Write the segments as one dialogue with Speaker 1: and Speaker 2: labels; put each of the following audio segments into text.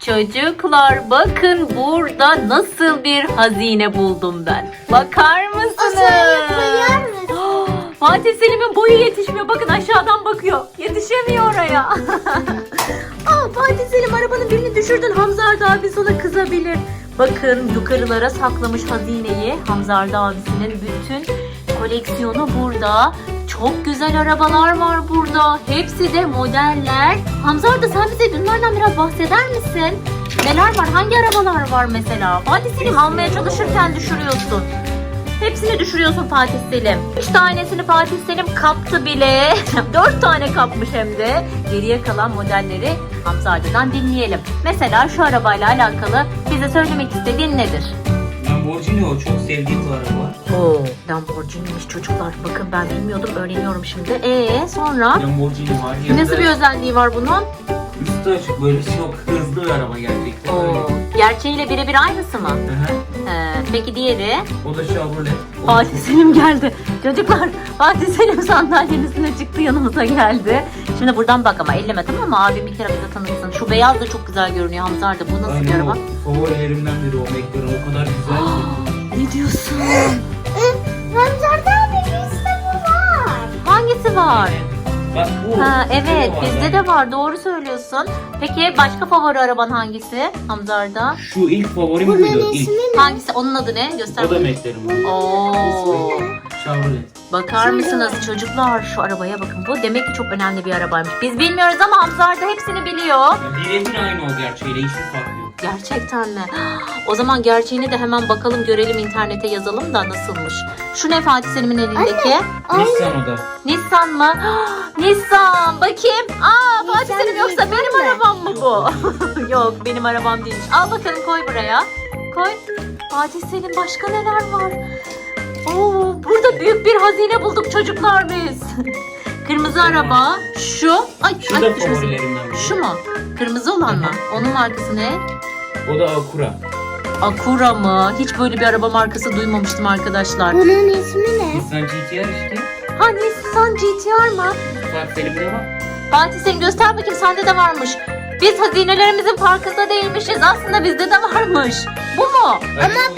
Speaker 1: Çocuklar bakın burada nasıl bir hazine buldum ben. Bakar mısınız? Fatih Selim'in boyu yetişmiyor. Bakın aşağıdan bakıyor. Yetişemiyor oraya. Fatih Selim arabanın birini düşürdün. Hamza Arda abi sana kızabilir. Bakın yukarılara saklamış hazineyi. Hamza Arda abisinin bütün koleksiyonu burada. Çok güzel arabalar var burada. Hepsi de modeller. Hamza Arda sen bize bunlardan biraz bahseder misin? Neler var? Hangi arabalar var mesela? Fatih Selim almaya çalışırken düşürüyorsun. Hepsini düşürüyorsun Fatih Selim. 3 tanesini Fatih Selim kaptı bile. 4 tane kapmış hem de. Geriye kalan modelleri Hamza Arda'dan dinleyelim. Mesela şu arabayla alakalı bize söylemek istediğin nedir?
Speaker 2: Lamborghini o çok sevdiğim bir araba.
Speaker 1: Oo, Lamborghini'miş çocuklar. Bakın ben bilmiyordum, öğreniyorum şimdi. Sonra?
Speaker 2: Lamborghini var.
Speaker 1: Nasıl bir özelliği var bunun?
Speaker 2: Üstü açık böyle çok hızlı bir araba gerçekten.
Speaker 1: Oo, gerçeğiyle birebir aynısı mı? Peki diğeri?
Speaker 2: O da Chevrolet.
Speaker 1: Fatih Selim geldi. Çocuklar Fatih Selim sandalyenin üstüne çıktı, yanımıza geldi. Şimdi buradan bak ama elleme, tamam mı? Abim bir kere bize tanıtsın. Şu beyaz da çok güzel görünüyor Hamza Arda. Bu nasıl bir araba?
Speaker 2: Favorilerimden biri o McLaren. O kadar güzel ki.
Speaker 1: Ne diyorsun?
Speaker 3: Hamza Arda abi bizde bu var.
Speaker 1: Hangisi var?
Speaker 2: Bak bu.
Speaker 1: Evet
Speaker 2: var
Speaker 1: bizde
Speaker 2: yani.
Speaker 1: de var, doğru söylüyorsun. Peki başka favori araban hangisi Hamza Arda?
Speaker 2: Şu ilk favorim
Speaker 3: Bunun
Speaker 2: buydu.
Speaker 3: ismi
Speaker 2: İlk.
Speaker 3: ne?
Speaker 1: Hangisi? Onun adı ne? Göster.
Speaker 2: O da McLaren.
Speaker 1: Oo.
Speaker 2: Chevrolet.
Speaker 1: Bakar mısınız çocuklar, şu arabaya bakın. Bu demek ki çok önemli bir arabaymış. Biz bilmiyoruz ama Hamza Arda hepsini biliyor.
Speaker 2: Birebir aynı o gerçeğiyle. Hiçbir fark yok.
Speaker 1: Gerçekten mi? O zaman gerçeğini de hemen bakalım, görelim, internete yazalım da nasılmış. Şu ne Fatih Selim'in elindeki?
Speaker 2: Nissan o da.
Speaker 1: Nissan mı? Nissan. Bakayım. Fatih
Speaker 3: Nissan
Speaker 1: Selim, yoksa
Speaker 3: Nissan
Speaker 1: benim
Speaker 3: mı?
Speaker 1: arabam mı bu? Yok, benim arabam değilmiş. Al bakalım, koy buraya. Koy. Fatih Selim, başka neler var? Oo, burada büyük bir hazine bulduk çocuklar biz. Kırmızı araba. Şu.
Speaker 2: Şu da
Speaker 1: düşmesin.
Speaker 2: favorilerimden biri.
Speaker 1: Şu mu? Kırmızı olan mı? Onun markası ne?
Speaker 2: O da Acura.
Speaker 1: Acura mı? Hiç böyle bir araba markası duymamıştım arkadaşlar.
Speaker 3: Bunun ismi ne?
Speaker 2: Nissan GT-R işte.
Speaker 1: Ha, Nissan GT-R mı?
Speaker 2: Fatih Selim'de var.
Speaker 1: Fatih Selim göster bakayım, sende de varmış. Biz hazinelerimizin farkında değilmişiz. Aslında bizde de varmış. Bu mu?
Speaker 3: Ama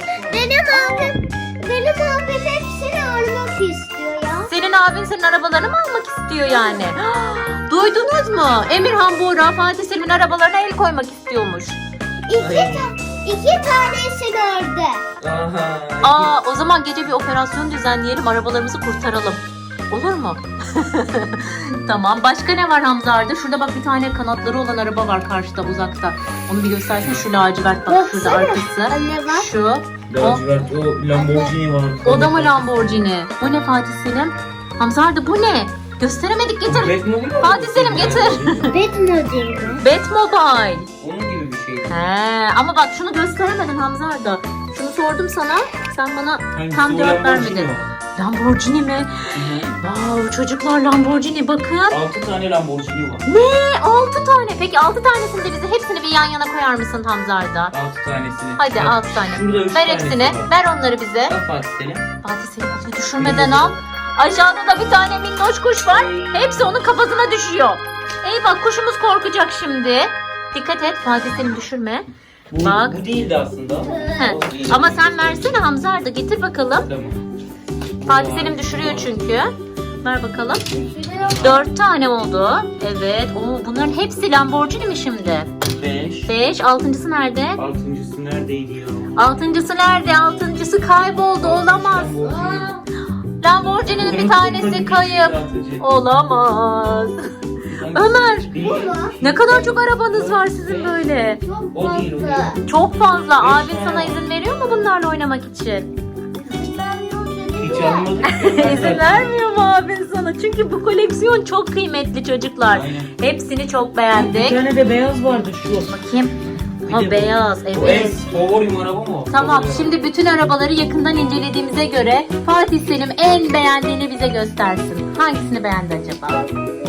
Speaker 3: benim abim hepsini almak istiyor ya.
Speaker 1: Senin abin senin arabalarını mı almak istiyor yani? Duydunuz mu? Emirhan Buğra Fatih Selim'in arabalarına el koymak istiyormuş.
Speaker 3: İki tanesini ördü.
Speaker 2: Aha.
Speaker 1: O zaman gece bir operasyon düzenleyelim, arabalarımızı kurtaralım. Olur mu? Tamam. Başka ne var Hamza Arda? Şurada bak, bir tane kanatları olan araba var karşıda, uzakta. Onu bir göstersene. Şu lacivert, bak şurada
Speaker 3: Baksana.
Speaker 1: arkası.
Speaker 3: Anne bak.
Speaker 1: Şu.
Speaker 2: Lacivert o Lamborghini var.
Speaker 1: O da mı Lamborghini? Bu ne Fatih Selim? Hamza Arda bu ne? Gösteremedik, getir.
Speaker 2: Batmobile mi?
Speaker 1: Fatih Selim getir.
Speaker 3: Batmobile mi?
Speaker 1: Batmobile.
Speaker 2: Onun gibi bir şey.
Speaker 1: Ama bak şunu gösteremedin Hamza Arda. Şunu sordum sana. Sen bana
Speaker 2: Hangisi?
Speaker 1: tam
Speaker 2: O
Speaker 1: cevap
Speaker 2: Lamborghini
Speaker 1: vermedin.
Speaker 2: mi?
Speaker 1: Lamborghini mi? Wow, çocuklar Lamborghini bakın.
Speaker 2: 6 tane Lamborghini var.
Speaker 1: Ne? 6 tane. Peki 6 tanesini de bize hepsini bir yan yana koyar mısın Hamza Arda?
Speaker 2: 6 tanesini.
Speaker 1: Hadi
Speaker 2: Bak,
Speaker 1: 6 tane.
Speaker 2: Şurada 3
Speaker 1: Ver
Speaker 2: tanesi
Speaker 1: hepsini.
Speaker 2: var.
Speaker 1: Ver onları bize.
Speaker 2: Bak Fatih Selim.
Speaker 1: Fatih Selim bunu düşürmeden al. Aşağıda da bir tane minnoş kuş var. Hepsi onun kafasına düşüyor. Eyvah, kuşumuz korkacak şimdi. Dikkat et Fatih Selim, düşürme.
Speaker 2: Bu,
Speaker 1: Bak.
Speaker 2: bu değildi aslında.
Speaker 1: Heh.
Speaker 2: O değil.
Speaker 1: Ama sen versene Hamza Arda, getir bakalım.
Speaker 2: Tamam.
Speaker 1: Fatih Selim düşürüyor çünkü. Ver bakalım. 4 tane oldu. Evet. Bunların hepsi Lamborghini mi şimdi?
Speaker 2: 5.
Speaker 1: 5. Altıncısı nerede?
Speaker 2: 6.sı neredeydi ya?
Speaker 1: Altıncısı nerede? Altıncısı kayboldu. Olamaz. Lamborghini'nin bir tanesi kayıp. Olamaz. Ömer,
Speaker 2: Değil.
Speaker 1: ne kadar çok arabanız var sizin böyle.
Speaker 3: Çok
Speaker 2: O değil, o
Speaker 3: fazla.
Speaker 2: değil.
Speaker 1: Çok fazla.
Speaker 2: Beş
Speaker 1: Abin
Speaker 2: tane.
Speaker 1: sana izin veriyor mu bunlarla oynamak için?
Speaker 2: Hiç almadık.
Speaker 1: İzin vermiyor mu abin sana? Çünkü bu koleksiyon çok kıymetli çocuklar.
Speaker 2: Aynen.
Speaker 1: Hepsini çok
Speaker 2: Bir
Speaker 1: beğendik.
Speaker 2: tane de beyaz vardı şu.
Speaker 1: Bakayım.
Speaker 2: Bir
Speaker 1: Ha,
Speaker 2: de bu.
Speaker 1: beyaz.
Speaker 2: O en
Speaker 1: Evet.
Speaker 2: favorim araba mı o?
Speaker 1: Tamam,
Speaker 2: Favori
Speaker 1: şimdi bütün arabaları yakından incelediğimize göre Fatih Selim en beğendiğini bize göstersin. Hangisini beğendi acaba?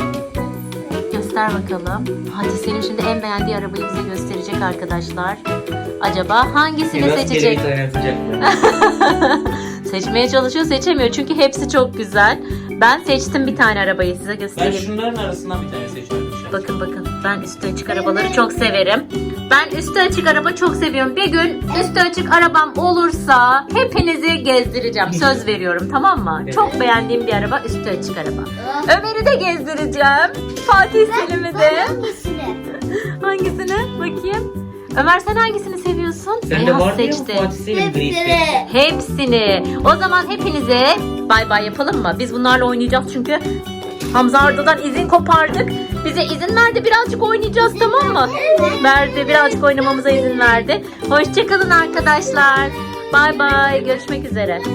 Speaker 1: Göster bakalım. Fatih Selim şimdi en beğendiği arabayı bize gösterecek arkadaşlar. Acaba hangisini
Speaker 2: Biraz
Speaker 1: seçecek?
Speaker 2: kere bir tane atacak.
Speaker 1: Seçmeye çalışıyor, seçemiyor çünkü hepsi çok güzel. Ben seçtim bir tane arabayı, size
Speaker 2: Ben
Speaker 1: göstereyim.
Speaker 2: şunların arasından bir tane seçiyorum.
Speaker 1: bakın bakın. Ben üstü açık arabaları çok severim. Ben üstü açık araba çok seviyorum. Bir gün üstü açık arabam olursa hepinizi gezdireceğim. Söz veriyorum, tamam mı?
Speaker 2: Evet.
Speaker 1: Çok beğendiğim bir araba üstü açık araba. Ömer'i de gezdireceğim. Fatih Selim'i de.
Speaker 3: Hangisini?
Speaker 1: Hangisini? Bakayım. Ömer sen hangisini seviyorsun?
Speaker 2: Sende
Speaker 1: Beyaz
Speaker 2: var diye mi
Speaker 1: seçti.
Speaker 2: Fatih Selim grisi?
Speaker 3: Hepsini.
Speaker 1: Hepsini. O zaman hepinize bay bay yapalım mı? Biz bunlarla oynayacağız çünkü Hamza Arda'dan izin kopardık. Bize izin verdi, birazcık oynayacağız, tamam mı? Verdi, birazcık oynamamıza izin verdi. Hoşçakalın arkadaşlar. Bay bay. Görüşmek üzere.